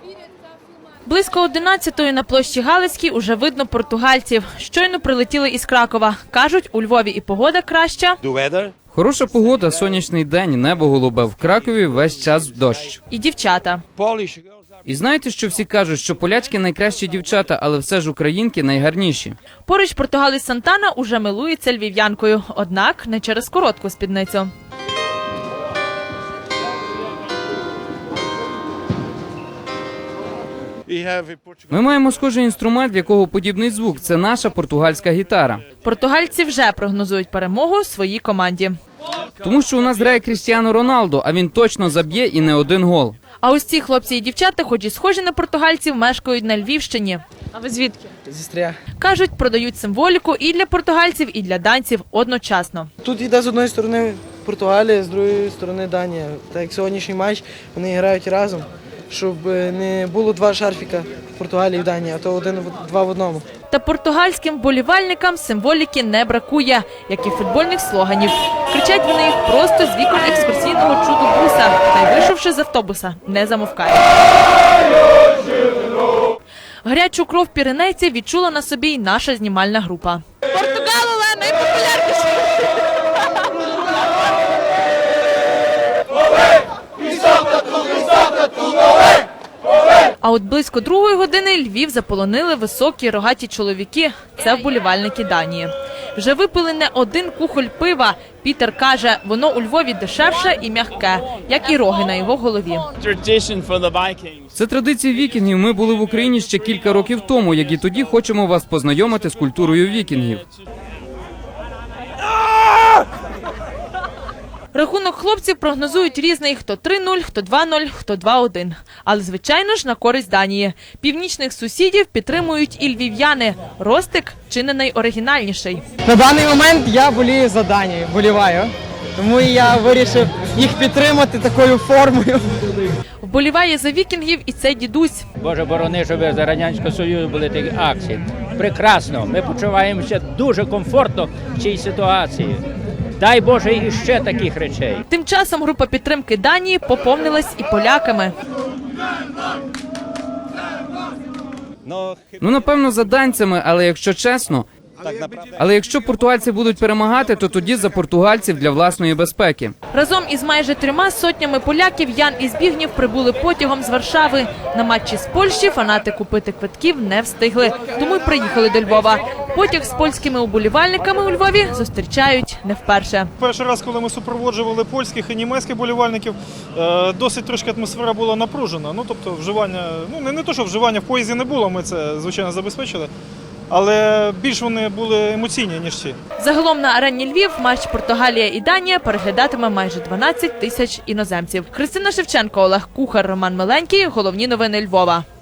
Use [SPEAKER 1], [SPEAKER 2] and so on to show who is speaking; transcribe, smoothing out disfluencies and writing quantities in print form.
[SPEAKER 1] Близько 11-ї на площі Галицькій уже видно португальців. Щойно прилетіли із Кракова. Кажуть, у Львові і погода краща.
[SPEAKER 2] Хороша погода, сонячний день, небо голубе. В Кракові весь час дощ.
[SPEAKER 1] І дівчата.
[SPEAKER 2] І знаєте, що всі кажуть, що полячки найкращі дівчата, але все ж українки найгарніші.
[SPEAKER 1] Поруч португалець Сантана уже милується львів'янкою. Однак не через коротку спідницю.
[SPEAKER 2] Ми маємо схожий інструмент, в якого подібний звук. Це наша португальська гітара.
[SPEAKER 1] Португальці вже прогнозують перемогу своїй команді.
[SPEAKER 2] Тому що у нас грає Крістіану Роналдо, а він точно заб'є і не один гол.
[SPEAKER 1] А ось ці хлопці і дівчата, хоч і схожі на португальців, мешкають на Львівщині.
[SPEAKER 3] А ви звідки? Зі Стрия.
[SPEAKER 1] Кажуть, продають символіку і для португальців, і для данців одночасно.
[SPEAKER 3] Тут йде з одної сторони Португалія, з другої сторони Данія. Так як сьогоднішній матч, вони грають разом, щоб не було два шарфіка в Португалії і в Данії, а то два в одному.
[SPEAKER 1] Та португальським вболівальникам символіки не бракує, як і футбольних слоганів. Кричать вони їх просто з вікон екскурсійного чудо-буса, та й вийшовши з автобуса, не замовкають. Гарячу кров піренейців відчула на собі й наша знімальна група. Португал найпопулярніший! А от близько 2-ї години Львів заполонили високі рогаті чоловіки. Це вболівальники Данії. Вже випили не один кухоль пива. Пітер каже, воно у Львові дешевше і м'яке, як і роги на його голові.
[SPEAKER 2] Це традиції вікінгів. Ми були в Україні ще кілька років тому, як і тоді хочемо вас познайомити з культурою вікінгів.
[SPEAKER 1] Рахунок хлопців прогнозують різний – хто 3-0, хто 2-0, хто 2-1. Але, звичайно ж, на користь Данії. Північних сусідів підтримують і львів'яни. Ростик чи не найоригінальніший.
[SPEAKER 4] На даний момент я болію за Данію, боліваю. Тому я вирішив їх підтримати такою формою.
[SPEAKER 1] Вболіває за вікінгів і цей дідусь.
[SPEAKER 5] Боже борони, щоб за Радянського Союзу були такі акції. Прекрасно, ми почуваємося дуже комфортно в цій ситуації. Дай Боже, і ще таких речей.
[SPEAKER 1] Тим часом група підтримки Данії поповнилась і поляками.
[SPEAKER 2] Ну, напевно, за данцями, але якщо чесно... Але якщо португальці будуть перемагати, то тоді за португальців для власної безпеки.
[SPEAKER 1] Разом із майже 3 сотнями поляків Ян і Збігнєв прибули потягом з Варшави. На матчі з Польщі фанати купити квитків не встигли, тому й приїхали до Львова. Потяг з польськими уболівальниками у Львові зустрічають не вперше.
[SPEAKER 6] Перший раз, коли ми супроводжували польських і німецьких болівальників, досить трошки атмосфера була напружена. Ну, тобто вживання, не то, що вживання в поїзді не було, ми це, звичайно, забезпечили. Але більш вони були емоційні, ніж ці.
[SPEAKER 1] Загалом на арені Львів матч Португалія і Данія переглядатиме майже 12 тисяч іноземців. Христина Шевченко, Олег Кухар, Роман Миленький. Головні новини Львова.